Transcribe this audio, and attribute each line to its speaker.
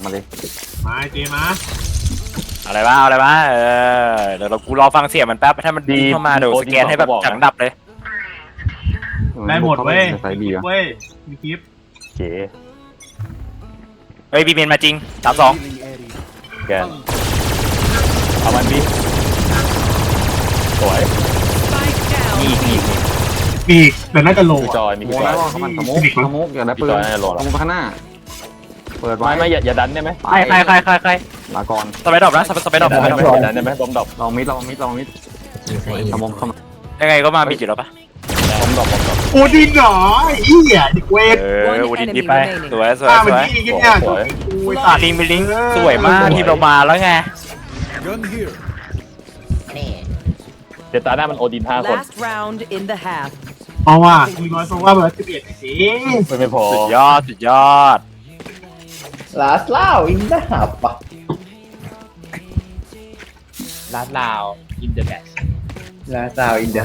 Speaker 1: มาเลย
Speaker 2: มาเจมา
Speaker 3: อะไรวะอะไรวะเดี๋ยวเรากูรอฟังเสียงมันแป๊บถ้ามันดีเข้ามาเดี๋ยวสแกนให้แบบจังดับเลย
Speaker 2: ได้หมดเว้ย
Speaker 1: ใส่ดีอ่ะ
Speaker 2: เว้ยมีคลิป
Speaker 4: เก๋
Speaker 3: เฮ้ยบีเมนมาจริง32
Speaker 4: แกนเอามันดิสวย
Speaker 3: นี่นี่
Speaker 2: ปีกแต่น่าจะโล
Speaker 4: มีจอยมี
Speaker 1: โม
Speaker 4: จ
Speaker 1: แล้
Speaker 4: อ
Speaker 1: วย เขามันสมุกอย่าได้ปืนสมุกข้างหน้าเปิดไว้
Speaker 4: ไม่อย่าดันได้ไหม
Speaker 3: ใคร
Speaker 1: ลาก่อน
Speaker 3: สไปดรอปนะสไปดรอป
Speaker 4: อย่าดันได้ไหมบอมดรอป
Speaker 1: ลองมิดสมุกเข้ามา
Speaker 3: ยังไงก็มาบิดอยู่แล้วปะ
Speaker 4: บอมดรอป
Speaker 2: โอดินเหรอไอ้เหี้ยเด็กเวท
Speaker 3: อูดินดีไปสวยสวย
Speaker 2: ป้า
Speaker 3: ส
Speaker 2: มัน
Speaker 3: วย
Speaker 2: ที่เนี่ย
Speaker 4: สวย
Speaker 2: อุ้ยตัด
Speaker 3: ลิงไปลิงสวยมากทีมเรามาแล้วไง
Speaker 4: เดี๋ยวตาหน้ามันโอดิน5 คน
Speaker 5: Last round in the half.
Speaker 2: เพราะว่ามีน้อยเพราะว่าเบอร์11สิ
Speaker 4: ไม่พอ
Speaker 3: สุดยอด
Speaker 6: Last Lao in the hub
Speaker 7: ลาดลาวอินเดอะแบช
Speaker 6: Last Lao in the